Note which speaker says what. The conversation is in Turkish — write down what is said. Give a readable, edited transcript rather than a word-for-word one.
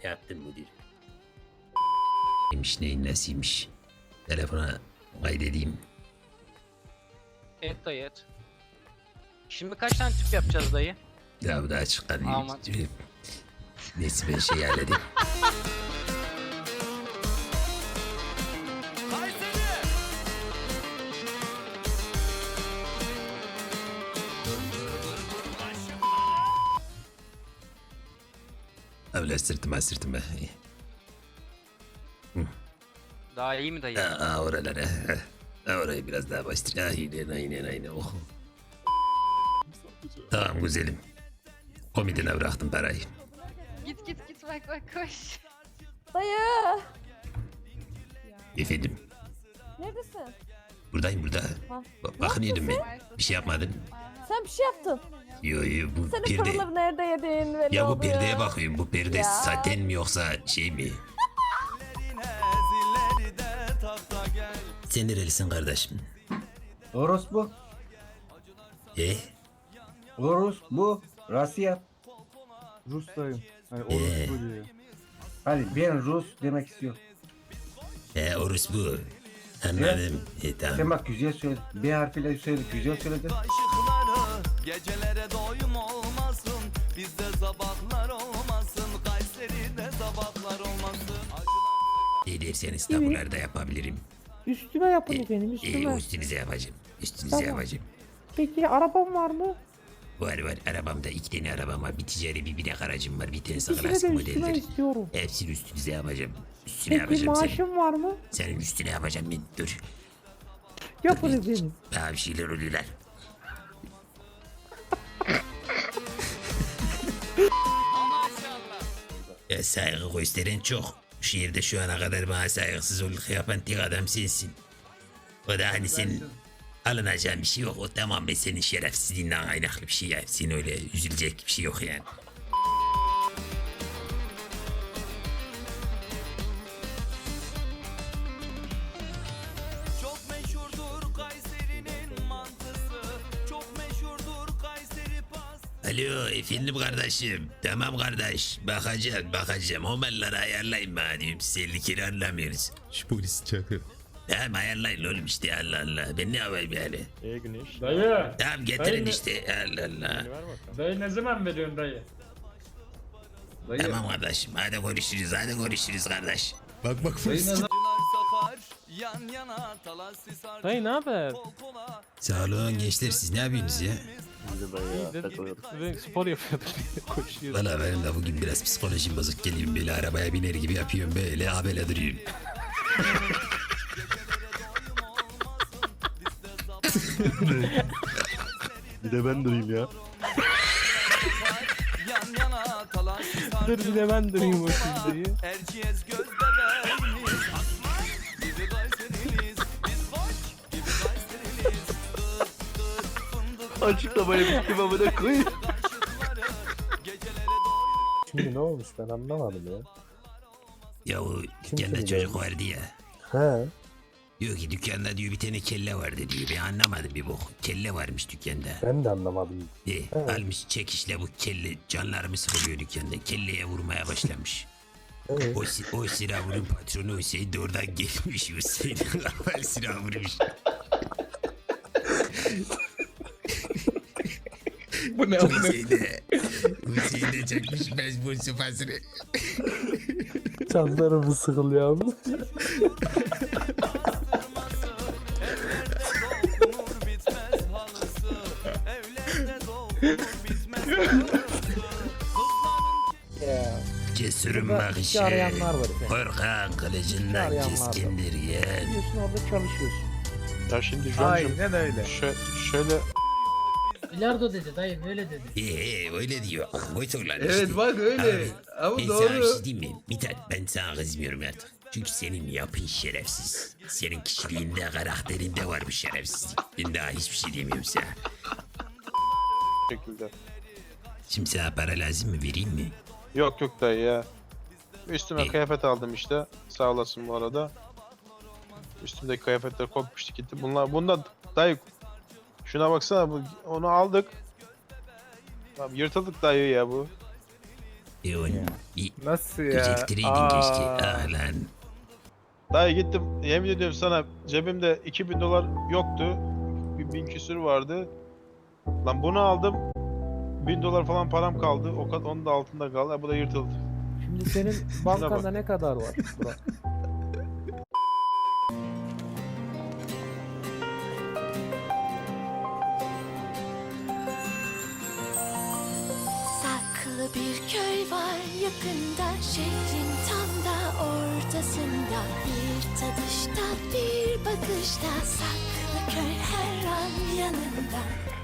Speaker 1: Yaptım müdür. Neymiş neyin nesiymiş. Telefona kaydedeyim.
Speaker 2: Et dayı et. Şimdi kaç tane tüp yapacağız dayı?
Speaker 1: Ya bu daha çıkarayım.
Speaker 2: Aman.
Speaker 1: Neyse ben şey halledeyim. Öyle sırtıma.
Speaker 2: Daha iyi mi dayı?
Speaker 1: Oralara. Orayı biraz daha bastır. Aynen. Oh. Tamam güzelim. Komidine bıraktım parayı.
Speaker 3: Git bak koş.
Speaker 4: Dayı.
Speaker 1: Efendim.
Speaker 4: Neredesin?
Speaker 1: Buradayım burada.
Speaker 4: Ha.
Speaker 1: Bakınıyordum ben. Bir şey yapmadın.
Speaker 4: Sen bir şey yaptın.
Speaker 1: Yo bu
Speaker 4: Senin
Speaker 1: perde.
Speaker 4: paraları nerede yedin? Belli
Speaker 1: Ya bu
Speaker 4: oldu
Speaker 1: perdeye bakıyorum. Bu perde
Speaker 4: Ya.
Speaker 1: saten mi yoksa şey mi? Sen nerelisin kardeşim?
Speaker 5: Orospu. Orospu. Rusya.
Speaker 6: Rus'tayım. Hani orospu diyor.
Speaker 5: Hadi ben Rus demek istiyorum.
Speaker 1: Orospu. Anladım. Tamam.
Speaker 5: Sen bak güzel söyle. B harfiyle söyle. Güzel söyledin.
Speaker 7: Aşıkları gecelere doyum olmasın. Bizde sabahlar olmasın. Kayseri'de sabahlar olmasın.
Speaker 1: Ne derseniz tabularda yapabilirim.
Speaker 8: Üstüme yapın efendim üstüme.
Speaker 1: Üstünüze yapacağım. Üstünüze
Speaker 8: Tamam.
Speaker 1: yapacağım.
Speaker 8: Peki arabam var mı?
Speaker 1: Var arabamda 2 tane arabam var. Bir ticari bir binek aracım var. Bir tanesi
Speaker 8: İkisini
Speaker 1: klasik
Speaker 8: de üstüme
Speaker 1: modeldir.
Speaker 8: istiyorum.
Speaker 1: Hepsini üstünüze yapacağım. Üstüne
Speaker 8: Peki
Speaker 1: yapacağım senin.
Speaker 8: maaşım var mı?
Speaker 1: Senin üstüne yapacağım ben. Dur.
Speaker 8: Yapın
Speaker 1: Dur,
Speaker 8: efendim.
Speaker 1: Daha bir şeyler oluyorlar. Ya saygı gösteren çok. Bu şehirde şu ana kadar bana saygısızlık yapan tek adam sensin. O da hani senin alınacağın bir şey yok. O tamamen senin şerefsizliğinden kaynaklı bir şey yani. Senin öyle üzülecek bir şey yok yani.
Speaker 7: Çok meşhurdur Kayseri'nin mantısı. Çok meşhurdur Kayseri pastası.
Speaker 1: Alo efendim kardeşim. Tamam kardeş. Bakacağım. Homelları ayarlayın bana diyorum. Siz 50 kere anlamıyoruz. Şu polis çakı. Tamam ayarlayın oğlum işte Allah Allah. Ben ne yapayım yani?
Speaker 6: Güneş.
Speaker 9: Dayı.
Speaker 1: Tamam getirin işte Allah Allah.
Speaker 9: Dayı ne zaman veriyorsun dayı?
Speaker 1: Tamam kardeşim hadi görüşürüz kardeş. Bak
Speaker 7: Acılar sakar yan yana talas sisar.
Speaker 6: Dayı ne haber?
Speaker 7: Kol kola.
Speaker 1: Sağ olun gençler siz ne yapıyorsunuz ya?
Speaker 6: Ben spor yapıyordum. Koşuyorum.
Speaker 1: Valla benim de bugün biraz psikolojim bozuk geliyorum böyle arabaya biner gibi yapıyorum böyle abele duruyorum.
Speaker 6: Bir de ben durayım ya.
Speaker 7: Yan yana talas sisar.
Speaker 6: Dur bir de ben durayım o dayı.
Speaker 7: Erciyes göz bebeğimiz. Aslan gibi Kayseriliyiz. Biz boş gibi Kayseriliyiz. Dır fındık.
Speaker 6: Açıklamaya bittim amına koyayım.
Speaker 7: Aşıkları gecelere doyum.
Speaker 8: Şimdi ne olmuş ben anlamadım ya.
Speaker 1: Ya o dükkanda
Speaker 8: seni
Speaker 1: çocuk vardı ya.
Speaker 8: He.
Speaker 1: Diyor ki dükkanda diyor bir tane kelle vardı diyor. Ben anlamadım bir bok. Kelle varmış dükkanda.
Speaker 8: Ben de anlamadım.
Speaker 1: Almış çekişle bu kelle canlarımı sıkılıyor dükkanda. Kelleye vurmaya başlamış.
Speaker 8: Evet.
Speaker 1: O silahın patronu Hüseyin de oradan gelmiş. Hüseyin kafayı silah vurmuş.
Speaker 9: Bu ne
Speaker 1: Hüseyin de çekmiş mecbur sıfasını.
Speaker 8: Canlarımı sıkılıyor abi.
Speaker 7: Dokunur bitmez halısı. Evlerde dokunur bitmez halısı.
Speaker 1: Cesurun
Speaker 8: Burada
Speaker 1: bakışı.
Speaker 8: işi arayanlar var efendim.
Speaker 1: Korkan kılıcından
Speaker 8: arayanlar var.
Speaker 1: keskindir yeğen.
Speaker 8: Gidiyorsun orada çalışıyorsun.
Speaker 6: Ya şimdi John'cum
Speaker 8: öyle.
Speaker 6: şöyle
Speaker 3: Bilardo dedi dayı böyle dedi.
Speaker 1: Öyle diyor. Boyut olan
Speaker 9: Evet
Speaker 1: işte.
Speaker 9: bak öyle. Ama
Speaker 1: Ben sana bir
Speaker 9: doğru.
Speaker 1: şey diyeyim mi? Mithat ben sana kızmıyorum artık. Çünkü senin yapın şerefsiz. Senin kişiliğinde, karakterinde var bu şerefsizlik. Ben daha hiçbir şey demiyorum sana.
Speaker 6: şekilde.
Speaker 1: Şimdi sana para lazım mı? Vereyim mi?
Speaker 6: Yok dayı ya. Üstüme
Speaker 1: İyi.
Speaker 6: kıyafet aldım işte. Sağ olasın bu arada. Üstümdeki kıyafetler kopmuştu gitti. Bunda dayı şuna baksana onu aldık. Tamam yırtıldık dayı ya bu.
Speaker 1: Bir
Speaker 8: Nasıl ya?
Speaker 1: geciktireydin keşke. Ah lan.
Speaker 6: Dayı gittim yemin ediyorum sana cebimde 2000 dolar yoktu. Bir 1000 küsür vardı. Lan bunu aldım. 1000 dolar falan param kaldı. O kadar onun da altında kaldı. Ha, bu da yırtıldı.
Speaker 8: Şimdi senin bankanda ne kadar var Burak?
Speaker 10: Saklı bir köy var yakında, şehrin tam da ortasında. Bir tadışta, bir bakışta, saklı köy her an yanında.